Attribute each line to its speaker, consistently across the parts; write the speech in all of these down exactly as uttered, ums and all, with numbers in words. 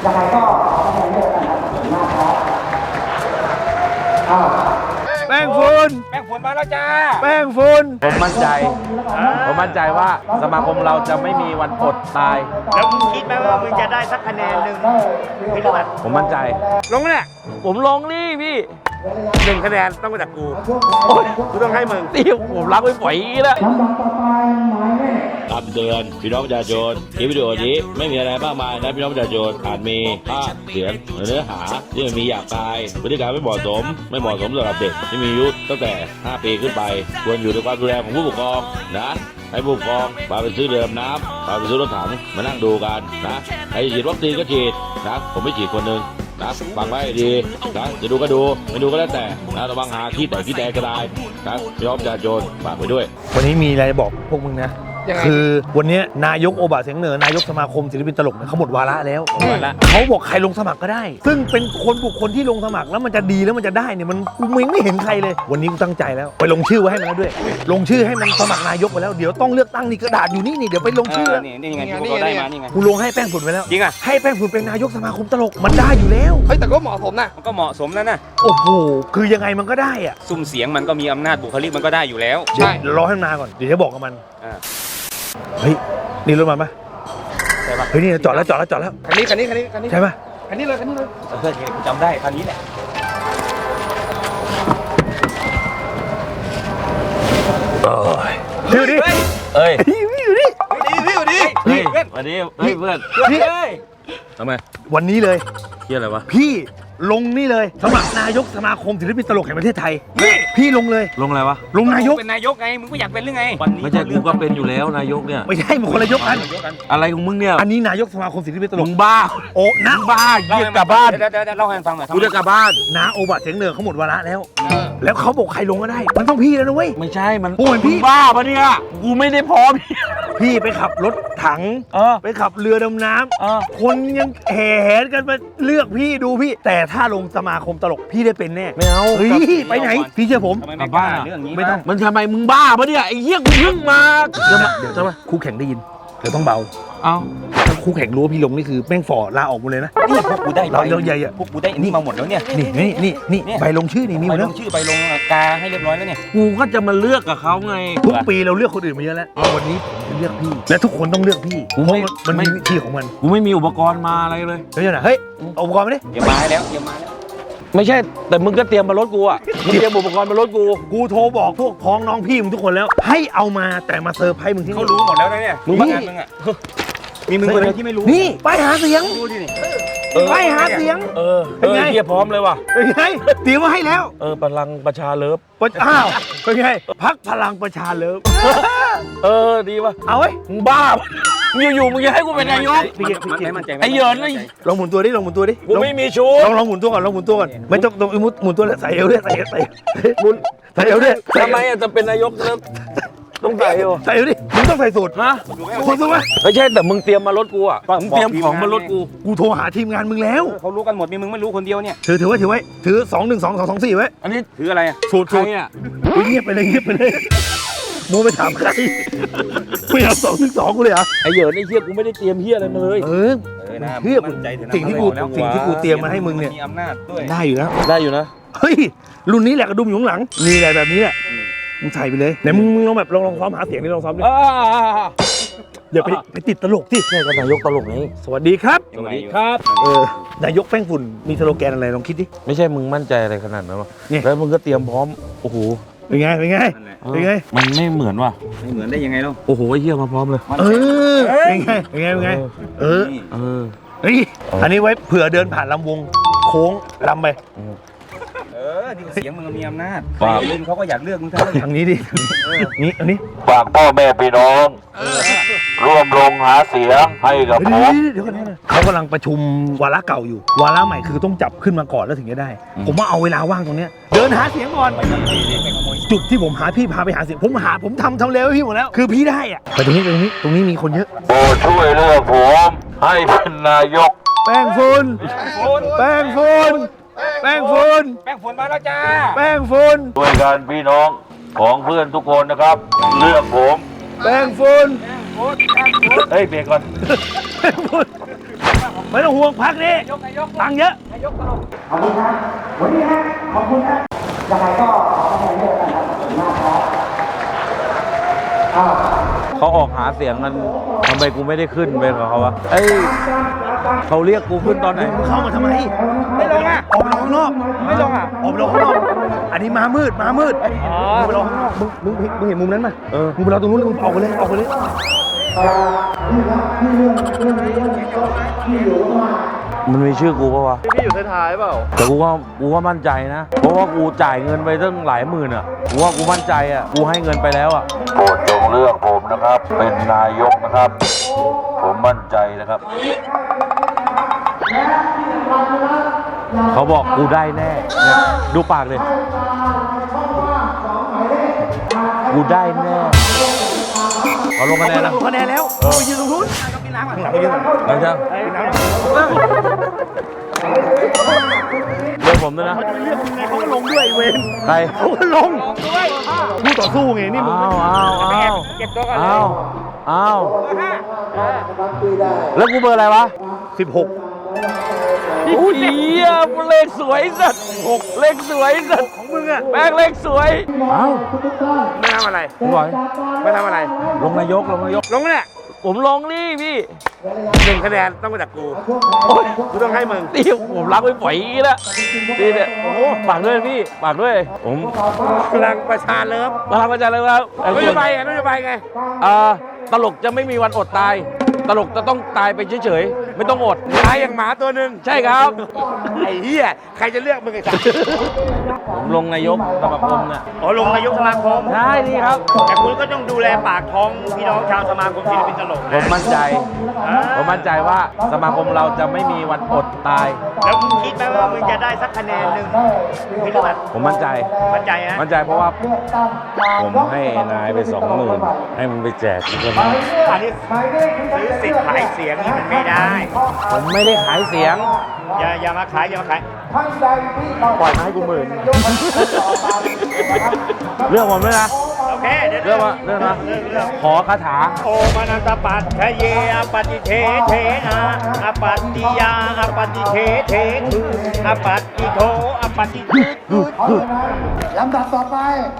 Speaker 1: ยังไงก็ขอคะแนนเยอะนะครับขอบคุณมากครับอ้าว
Speaker 2: แป้งฝุ่น
Speaker 3: แป้งฝุ่นมาแล้วจ้า
Speaker 2: แป้งฝุ่น
Speaker 4: ผมมั่นใจผมมั่นใจว่าสมาคมเราจะไม่มีวันอดตาย
Speaker 5: แล้วมึงคิดไหมว่ามึงจะได้สักคะแนนหนึ่งไม่รู้อ่ะ
Speaker 4: ผมมั่นใจ
Speaker 3: ลงเนี่ย
Speaker 4: ผมลงนี่พี่
Speaker 3: หนึ่งคะแนนต้องมาจากกูกูต้องให้มึง
Speaker 4: นี่ผมรักไม่ปล่อยแล้ว
Speaker 1: ลำดับต่อไปหมายเลข
Speaker 6: คำเตือนพี่น้องประชาชนคลิปวิดีโอนี้ไม่มีอะไรมากมายนะพี่น้องประชาชนอาจมีภาพเสียงหรือเนื้อหาที่มันมีหยาบคายพฤติกรรมไม่เหมาะสมไม่เหมาะสมสำหรับเด็กที่มีอายุตั้งแต่ห้าปีขึ้นไปควรอยู่ในความดูแลของผู้ปกครองนะให้ผู้ปกครองพาไปซื้อเรือดำน้ำพาไปซื้อรถถังมานั่งดูกันนะใครฉีดวัคซีนก็ฉีดนะผมไม่ฉีดคนหนึ่งนะฟังไว้ดีนะจะดูก็ดูไม่ดูก็แล้วแต่นะระวังหาขี้แต่ขี้แตกก็ได้นะพี่น้องประชาชนฝากไปด้วย
Speaker 2: วันนี้มีอะไรบอกพวกมึงนะคือวันนี้นายกโอบะเสียงเหนือนายกสมาคมศิลปินตลกเนี่ยเขาหมดวาระแล้วเขาบอกใครลงสมัครก็ได้ ซึ่งเป็นคนบุคคลที่ลงสมัครแล้วมันจะดีแล้วมันจะได้เนี่ยมันกูไม่เห็นใครเลย วันนี้กูตั้งใจแล้วไปลงชื่อไว้ให้มันแล้วด้วย ลงชื่อให้มันสมัครนายกไปแล้วเดี๋ยวต้องเลือกตั้งนี่กระดาษอยู่นี่นี่เดี๋ยวไปลงชื่อ
Speaker 3: นี่นี่ไงที่พวกเราได้มานี่ไง
Speaker 2: กูลงให้แป้งฝุ่นไปแล้ว
Speaker 3: จริงอ่ะ
Speaker 2: ให้แป้งฝุ่นเป็นนายกสมาคมตลกมันได้อยู่แล้ว
Speaker 7: เฮ้ยแต่ก็เหมาะสมนะ
Speaker 3: มันก็เหมาะสมแล้วนะ
Speaker 2: โอ้โหคือยังไงมันก็ได้อะ
Speaker 3: ซุ่มเสียงมันก็มีอำนาจบุคลิกมันก็ได้อยู่แล้ว
Speaker 7: ใช่
Speaker 2: เดี๋ยวรอให้มันมาก่อนเดี๋ยวจะบอกกับมัน
Speaker 3: อ่า
Speaker 2: เฮ้ยนี่รถมาปะ
Speaker 3: ใช่ปะ
Speaker 2: เฮ้ยนี่จอดแล้วจอดแล้วจอดแล้ว
Speaker 7: คันนี้คันนี้คันนี้คันนี้
Speaker 2: ใช่ปะ
Speaker 7: คันนี้เลยคันนี้เลย
Speaker 3: เพื่อนจำได้คันนี้แหละ
Speaker 2: ดูดิ
Speaker 4: เอ้ย
Speaker 2: พี่ดูดิ
Speaker 3: ดีพี่ดี
Speaker 4: เฮ้ยวันนี้เฮ้ยเพื่อน
Speaker 2: พี่
Speaker 4: ทำไม
Speaker 2: วันนี้เลย
Speaker 4: เฮียอะไรวะ
Speaker 2: พี่ลงนี่เลยสมัครนายกสมาคมศิลปินตลกแห่งประเทศไทยพี่ลงเลย
Speaker 4: ลงอะไรวะ
Speaker 2: ลงนายก
Speaker 3: เป็นนายกไงมึงก็อยากเป็นหรือไงวันนี้
Speaker 4: ไม่ใช่กูก็เป็นอยู่แล้วนายกเนี่ย
Speaker 2: ไม่ใช่มันคนละยกกัน
Speaker 4: อะไรของมึงเนี่ย
Speaker 2: อันนี้นายกสมาคมศิลปินตล
Speaker 4: มึ
Speaker 2: ก
Speaker 4: งบ้า
Speaker 2: โอ้นะ
Speaker 4: บ้าเยี่ยกลับบ้าน
Speaker 3: เดี๋ยวเดี๋ยวเล่าให้ฟังหน่อย
Speaker 4: กูจะกลับบ้าน
Speaker 2: นาโอบะเสียงเหนือเขาหมดวาระแล้ว แล้วเขาบอกใครลงก็ได้ มันต้องพี่แล้วนะเว้ย
Speaker 4: ไม่ใช่มัน
Speaker 2: โอ้ยพี่
Speaker 4: มึงบ้าปะเนี่ยกูไม่ได้พร้อม
Speaker 2: พี่ไปขับรถถัง
Speaker 4: เออ
Speaker 2: ไปขับเรือดำน้
Speaker 4: เออ
Speaker 2: ำคนยังแห่แหนกันมาเลือกพี่ดูพี่ แต่ถ้าลงสมาคมตลกพี่ได้เป็นแน่
Speaker 4: ไม่เอา
Speaker 2: เฮ้ยไปไหนพี่เชื่อผม
Speaker 3: ทำไมไม่กล้าเรื่องนี้
Speaker 2: ไม่ต้อง
Speaker 4: มันทำไมมึงบ้าปะเนี่ยไอ้เหี้ยกูเพิ่งมาเดี๋ยวมาเดี๋ยวจะมา
Speaker 2: คู่แข่งได้ยินเดี๋ยวต้องเบา
Speaker 4: เอา
Speaker 2: ถ้าคู่แข่งรู้ว่าพี่ลงนี่คือแม่งฝ่อลาออกหมดเลยนะ
Speaker 3: นี่พวกกูได้
Speaker 2: เราเราใหญ่อะ
Speaker 3: พวกกูได้อันนี้มาหมดแล้วเนี่ย
Speaker 2: นี่นี่นี่นี่
Speaker 3: เนี่ย
Speaker 2: ใบลงชื่อนี่มีห
Speaker 3: ไป
Speaker 2: มด
Speaker 3: ล
Speaker 2: แล้ว
Speaker 3: งชื่อไปลงกาให้เรียบร้อยแล้วเนี่ย
Speaker 4: กูก็จะมาเลือกกับเขาไง
Speaker 2: ทุกปีเราเลือกคนอื่นมาเยอะแล้ววันนี้ผมจะเลือกพี่ และทุกคนต้องเลือกพี่
Speaker 4: กู
Speaker 2: เพ
Speaker 4: ไม่
Speaker 2: ราะมัน
Speaker 4: ไม่
Speaker 2: มีวิธีของมัน
Speaker 4: กูไม่มีอุปกรณ์มาอะไรเลย
Speaker 2: เฮ้ยนะเฮ้ยเอาอุปกรณ์มาดิ
Speaker 3: เดี๋ยวมาให้แล้วเดี๋ยวมาแล้ว
Speaker 4: ไม่ใช่แต่มึงก็เตรียมมารถกูอ่ะมึงเตรียมอุปกรณ์มารถกู
Speaker 2: กูโทรบอกพวกพ้องน้องพี่มึงทุกคนแล้ว ให้เอามาแต่มาเซอร์ไพรส์มึงที่
Speaker 3: เขา
Speaker 2: นี่
Speaker 3: รู้หมดแล้วนะเนี่ยรู้งานมึงอ่ะมีมึงคนเดียวที่ไม่รู้
Speaker 2: นี่ไปหาเสียง
Speaker 3: ดูดินี่
Speaker 2: ไปหาเสียง
Speaker 4: เออ
Speaker 2: เป็นไง
Speaker 4: เออเฮียพร้อมเลยว่ะ
Speaker 2: เป็นไงเตรียมมาให้แล้ว
Speaker 4: เออพลังประชาเลิฟ
Speaker 2: ปะอ้าวเป็นไงพักพลังประชาเลิฟ
Speaker 4: เออดีว่ะ
Speaker 2: เอาไว้
Speaker 4: มึงบ้าปะอยู่ๆมึงจะให้กูเป็นนายก
Speaker 2: พี่เกียรติ
Speaker 3: มันไม่มั่นใจ
Speaker 4: ไอ้เหยินไอ้
Speaker 2: ลองหมุนตัวดิลองหมุนตัวดิ
Speaker 4: กูไม่มีชู
Speaker 2: ลองลองหมุนตัวก่อนลองหมุนตัวก่อนไม่ต้องต้องหมุนหมุนตัวเลยใส่เอวด้วยใส่เอวใส่หมุนใส่เอวด้วย
Speaker 4: ทำไมอ่ะจะเป็นนายกแล้วต้องใส่เหรอ
Speaker 2: ใส่เอวดิมึงต้องใส่สูตร
Speaker 4: ฮะ
Speaker 2: คนสูตรไหม
Speaker 4: ไม่ใช่แต่มึงเตรียมมารถกูอ่ะมึงเตรียมของมารถกู
Speaker 2: กูโทรหาทีมงานมึงแล้ว
Speaker 3: เขารู้กันหมดมีมึงไม่รู้คนเดียวเนี่ย
Speaker 2: ถือถือไว้ถือไว้ถือสองหนึ่งสองสองสองสี่ไว้
Speaker 4: อันนี้
Speaker 3: ถืออะไรอ่ะ
Speaker 2: สูตร
Speaker 4: ใคร
Speaker 2: สูตร
Speaker 4: อ่ะ
Speaker 2: เงียบไปเลยเงียบไปเลยโมไปถามใครไม่เอาสองหนึ่งสองกูเลยเหรอ
Speaker 4: ไอ้เหยินไอ้เฮียกูไม่ได้เตรียมเฮียอะไรมาเลย
Speaker 2: เออ
Speaker 3: เออนะ
Speaker 2: เฮีย
Speaker 3: มั่นใจเถอะนะ
Speaker 2: สิ่งที่กูสิ่งที่กูเตรียมมาให้มึงเนี่ย
Speaker 3: มีอำนาจด้วย
Speaker 2: ได้อยู่แล้ว
Speaker 4: ได้อยู่นะ
Speaker 2: เฮ้ยรุ่นนี้แหละกระดุมอยู่ข้างหลังนี่แหละแบบนี้แหละมึงใส่ไปเลยไหนมึงมึงลองแบบลองลองซ้อมหาเสียงนี่ลองซ้อมดิ
Speaker 4: อ่า
Speaker 2: อย่าไปไปติดตลกที่
Speaker 4: ใช่ก็นายกตลกไง
Speaker 2: สวัสดีครับ
Speaker 3: สวัสดี
Speaker 4: ครับ
Speaker 2: เออนายกแป้งฝุ่นมีสโลแกนอะไรลองคิดดิ
Speaker 4: ไม่ใช่มึงมั่นใจอะไรขนาดนั้นวะ
Speaker 2: นี่
Speaker 4: แล้วมึงก็เตรียมพร้อมโอ้โห
Speaker 2: เป็นไงเป็นไง
Speaker 3: นั่นแหละ
Speaker 2: เป็นไง
Speaker 4: มันไม่เหมือนว่ะ
Speaker 3: ไม่เหมือนได้ยังไงเล่า
Speaker 4: โอ้โหไอ้เฮียมาพร้อมเลย
Speaker 2: เออเป็นไงเป็นไงเป็นไงเออ
Speaker 3: นี่
Speaker 4: เออ
Speaker 2: เฮ้ยอันนี้ไว้เผื่อเดินผ่านลำวงโค้งลำไป
Speaker 3: เออนี่เสียงมึงมีอำนาจ
Speaker 4: ครับ
Speaker 3: เล่นเขาก็อยากเลือกมึงทั้งนั้น
Speaker 2: ทางนี้ดินี่อันนี้
Speaker 6: ฝากพ่อแม่พี่น้องร่วมลงหาเสียงให้กับผ
Speaker 2: เดี๋ยว
Speaker 6: ม
Speaker 2: เดี๋ยวก่อนนะเขากำลังประชุมวาระเก่าอยู่ วาระใหม่คือต้องจับขึ้นมาก่อนแล้วถึงจะได้ ผมว่าเอาเวลาว่างตรงเนี้ยเดินหาเสียงก่อน จุดที่ผมหาพี่พาไปหาเสียง ผมหาผมทำทำเร็วให้พี่หมดแล้ว คือพี่ได้อะไปตรงนี้ตรงนี้ตรงนี้มีคนเยอะ
Speaker 6: โปรดช่วยเลือกผมให้เป็นนายก
Speaker 2: แป้งฝุ่นแป้งฝุ่นแป้งฝุ่น
Speaker 3: แป้งฝุ่นมาแล้วจ้า
Speaker 2: แป้งฝุ่น
Speaker 6: ด้วยกันพี่น้องของเพื่อนทุกคนนะครับ เลือกผม
Speaker 2: แป้งฝุ่น
Speaker 6: เฮ้ยเบรกก่อน
Speaker 2: แป้งฝุ่นไม่ต้องห่วงพักนี้ตังค์เยอะ
Speaker 1: ขอบคุณครับวันนี้ฮะขอบคุณนะยังไงก็ขอคะแนนเยอะกันครับขอบคุณมากครับอ้าว
Speaker 4: เขาออกหาเสียงกันทำไมกูไม่ได้ขึ้นไปกับเขาวะเอ้ยเขาเรียกกูขึ้นตอนไหน
Speaker 2: เข้ามาทำไม
Speaker 5: ไม่ลงอ่ะ
Speaker 2: ออกไปรอข้างนอก
Speaker 5: ไม่ลงอ่ะ
Speaker 2: ออกไปรอข้างนอก อันนี้มามืดมามืดมึงไปรอข้างนอกมึงมึงมึงเห็นมุมนั้นไหมเออมึงไปรอตรงนู้นเลยมึงออกไปเลยออกไปเลย
Speaker 4: มันมีชื่อกูปะวะ
Speaker 7: พี่อยู่ท้ายๆเปล่า
Speaker 4: แต่กูว่ากูว่ามั่นใจนะ เพราะว่ากูจ่ายเงินไปตั้งหลายหมื่นอ่ะกูว่ากูมั่นใจอ่ะกูให้เงินไปแล้วอ่ะโปรดจงเลือกผมนะครับ เป็นนายกนะครับ ผมมั่นใจนะครับ เขาบอกกูได้แน่เนี่ยดูปากเลยกูได้แน่เอาลงคะแนนนะ
Speaker 2: คะแนนแล้วไปยืนตรงนู้นหลังไปยืน
Speaker 4: หลังจากเลือกผมด้วยนะ
Speaker 2: เขาจะเลือกยังไงเขาก็ลงด้วยเวน
Speaker 4: ใคร
Speaker 2: เขาก็ลงด้วยคู่ต่อสู้ไงนี่มึง
Speaker 4: อ้าวอ้าวอ้าว
Speaker 5: เก็บตัวก่อนเลย
Speaker 4: อ้าวอ้าวแล้วกูเบอร์อะไรวะ
Speaker 2: สิบหก
Speaker 4: อุ้ยเหี้ยเลขสวยสัตว์หกเลขสวยสัตว์ของมึงอะแม่งเลขสวยเอ้า
Speaker 5: ไม่ทำอะไร
Speaker 4: คุณบอย
Speaker 5: ไม่ทำอะไร
Speaker 4: ลงนายกลงนายก
Speaker 5: ลงเนี่ย
Speaker 4: ผมลงนี่พี่
Speaker 5: หนึ่งคะแนนต้องมาจากกู
Speaker 4: โอ้ย
Speaker 5: กูต้องให้มึง
Speaker 4: นี่ผมรักไม่ปล่อยอีกแล้วนี่เนี่ยโอ้โหฝากด้วยพี่ฝากด้วยผม
Speaker 5: พลังประชาเลิฟ
Speaker 4: มาทำอาจารย์เลยครับ
Speaker 5: นโยบายไงนโยบายไง
Speaker 4: อ่าตลกจะไม่มีวันอดตาย ตลกจะต้องตายไปเฉยๆไม่ต้องอด
Speaker 5: ตายอย่างหมาตัวหนึ่ง
Speaker 4: ใช่ครับ
Speaker 5: ไอ้เหี้ยใครจะเลือกมึงไอ้สัส
Speaker 4: ผมลงนายกสมาคมเนี่ย
Speaker 5: อ๋อลงนายกสมาคม
Speaker 4: ใช่นี่ครับ
Speaker 5: แต่คุณก็ต้องดูแลปากท้องพี่น้องชาวสมาคมศิลปินตลก
Speaker 4: ผม
Speaker 5: นะ
Speaker 4: มั่นใจ ผมมั่นใจว่าสมาคมเราจะไม่มีวันอดตาย
Speaker 5: แล้วมึงคิดไหมว่ามึงจะได้สักคะแนนหนึ่งไม่รู้อ่ะ
Speaker 4: ผมมั่นใจ
Speaker 5: มั่นใจนะ
Speaker 4: มั่นใจเพราะว่าผมให้นายไปสองหมื่นให้มันไปแจกทุกคนนะ
Speaker 5: อันนี้ซื้อสิทธิ์ขายเสียงนี่มันไม่ได้
Speaker 4: ผมไม่ได้ขายเสียง
Speaker 5: อย่าอย่ามาขายอย่ามาขาย
Speaker 4: ปล่อยมาให้กูหมื่น เรื่องผมด้วยนะ
Speaker 5: โอเคเดี๋ยว
Speaker 4: เรื่องว่าเรื่องนะ
Speaker 5: เรื่องเรื่อง
Speaker 4: ขอคาถา
Speaker 5: โอมานันตปัตถะเยอปฏิเทเทนะอปัตติยาอปฏิเทเทคืออปัตติโทอปฏิคือ
Speaker 1: ลำดับต่อไป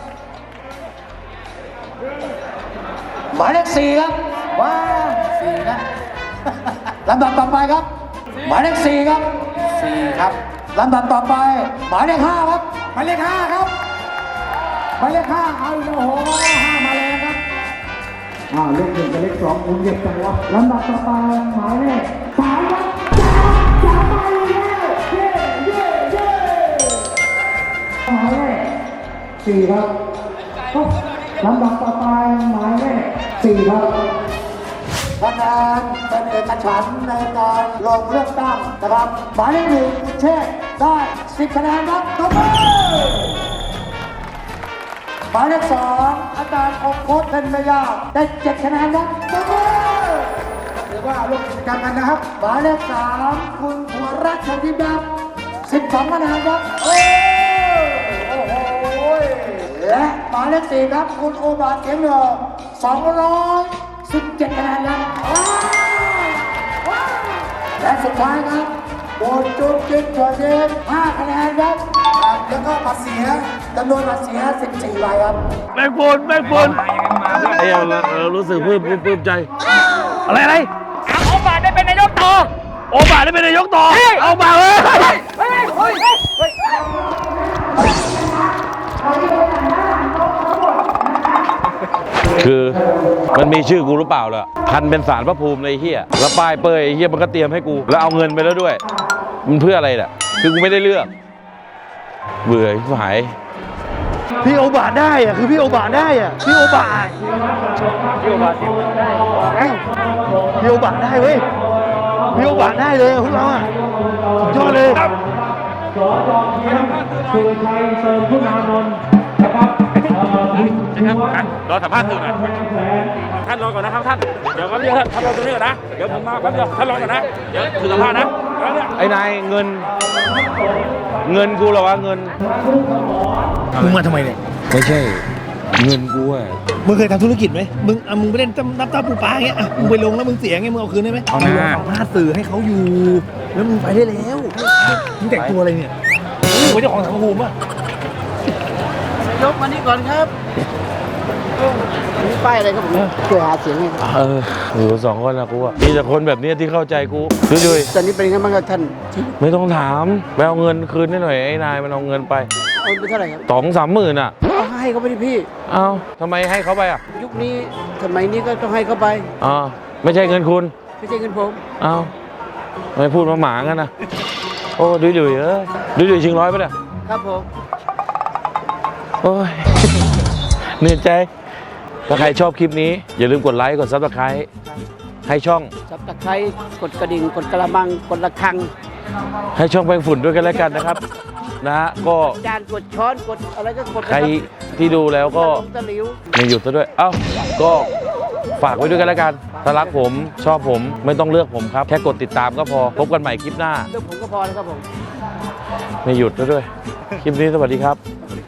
Speaker 1: หมายเลขสี่ครับว้าสี่นะ ลำดับต่อไปครับ หมายเลขสี่ครับสี่ครับลำดับต่อไป หมายเลขห้าครับหมายเลขห้าครับหมายเลขห้าเอาอีกแล้วโอ้โหห้ามาแล้วครับอ้าวเลขหนึ่งกับเลขสองคุณเก็บจังวะลำดับต่อไปหมายเลขสามครับสามไปแล้วเย้เย้เย้หมายเลขสี่ครับลำดับต่อไปหมายเลขสี่ครับคะแนนเป็นเอกฉันท์ในการลงเลือกตั้งนะครับหมายเลขหนึ่งคุณเชษฐ์ได้สิบคะแนนครับตบมือหมายเลขสองอาจารย์คงโคตรเป็นไม่ยากได้เจ็ดคะแนนครับตบมือถือว่าร่วมกิจกรรมกันนะครับหมายเลขสามคุณผัวรักชัยทิพย์ครับสิบสองคะแนนครับโอ้โอ้โหและหมายเลขสี่ครับคุณโอบาเสียงเหนือสองร้อยสิบเจ็ดคะแนนครับว้าวว้าวและสุดท้ายครับคุณจุ๊บจิ๊บเฉยเย็นห้าคะแนนครับครับแล้วก็บัตรเสียจำนวนบัตรเสียสิบสี่ใบครับ
Speaker 2: แม่งบนแม่งบน
Speaker 4: ไอ้เราเรารู้สึกปลื้มปลื้มปลื้มใจ
Speaker 2: อะไรอะไร
Speaker 5: เอาโอบาได้เป็นนายกต่อ
Speaker 2: โอบาได้เป็นนายกต่อเอามาเลย
Speaker 5: เฮ้ยเฮ้ยเฮ้ย
Speaker 4: คือมันมีชื่อกูหรือเปล่าล่ะพันเป็นสารพระภูมิเลยไอ้เฮียแล้วป้ายเป้ยไอ้เฮียมันก็เตรียมให้กู แล้วเอาเงินไปแล้วด้วย มันเพื่ออะไรน่ะคือกูไม่ได้เลือก เบื่อชิบหาย
Speaker 2: พี่โอบาได้อะคือพี่โอบาได้อะพี่โอบาพี่โอบาได้พี่โอบาได้เว้ยพี่โอบาได้เลยพวกเราอะสุดยอดเลย
Speaker 3: รอสัมภาษณ์สื่อหน่อยท่านรอก่อนนะครับท่าน เดี๋ยวแป๊บเดียวท่านรอตรงนี้ก่อนนะ เดี๋ยวผมมาแป๊บเดียวท่านรอก่อนนะ เดี๋ยวถือสัมภาษณ์นะแป๊บเดียว
Speaker 4: ไอ้นายเงิน เงินกูเหรอวะเงิน
Speaker 2: มึงมาทำไมเนี่ย
Speaker 4: ไม่ใช่เงินกูอะ
Speaker 2: มึงเคยทำธุรกิจไหมมึงอ่ะมึงไปเล่นน้ำตาปูปลาอย่างเงี้ยอ่ะมึงไปลงแล้วมึงเสียไงมึงเอาคืนได้ไหม
Speaker 3: เอาหน้า
Speaker 2: เอาหน้าสื่อให้เขาอยู่ แล้วมึงไปได้แล้วมึงแต่งตัวอะไรเนี่ยมึงเป็นเจ้าของสังคมอ่ะ
Speaker 1: ยกมานี่ก่อนครับนี่ป้ายอะไรครับผมช่วยหาเสียงให้ครับ
Speaker 4: เอออยู่สองคนนะกูอะมีแต่คนแบบเนี้ยที่เข้าใจกูดุย
Speaker 1: ตอนนี้เป็นยังไงบ้างครับท่าน
Speaker 4: ๆไม่ต้องถามไปเอาเงินคืนให้หน่อยไอ้นายมันเอาเงินไป
Speaker 1: เอาไปเท่าไหร่ครับ
Speaker 4: สองสามหมื่นอ่ะ
Speaker 1: เอาให้เขาไปดิพี่
Speaker 4: เอาทำไมให้เขาไปอ่ะ
Speaker 1: ยุคนี้สมัยนี้ก็ต้องให้เขาไป
Speaker 4: อ๋อไม่ใช่เงินคุณ
Speaker 1: ไม่ใช่เงินผม
Speaker 4: เอาทำไมพูดมาหมางั้นนะโอ้ดุยดุยๆเอ้ยดุยดุยๆชิงร้อยปะเนี่ย
Speaker 1: ครับผม
Speaker 4: โอ้ย เหนื่อยใจ ถ้าใครชอบคลิปนี้ อย่าลืมกดไลค์ กดซับสไครต์ให้ช่อง
Speaker 1: จับตะไคร้กดกระดิ่งกดกระมังกดระฆัง
Speaker 4: ให้ช่องแปรงฝุ่นด้วยกันแล้วกันนะครับ นะฮะก็
Speaker 1: จานกดช้อนกดอะไรก็กด
Speaker 4: ใครที่ดูแล้วก็
Speaker 1: ตะหลิว
Speaker 4: ไม่หยุดซะด้วย เอ้า ก็ฝากไว้ด้วยกันแล้วกัน ถ้ารักผมชอบผมไม่ต้องเลือกผมครับ แค่กดติดตามก็พอ พบกันใหม่คลิปหน้า
Speaker 1: เรื่องผมก็พอแล้วครับผม
Speaker 4: ไม่หยุดซะด้วย คลิปนี้สวัสดีครับ
Speaker 1: สวัสดี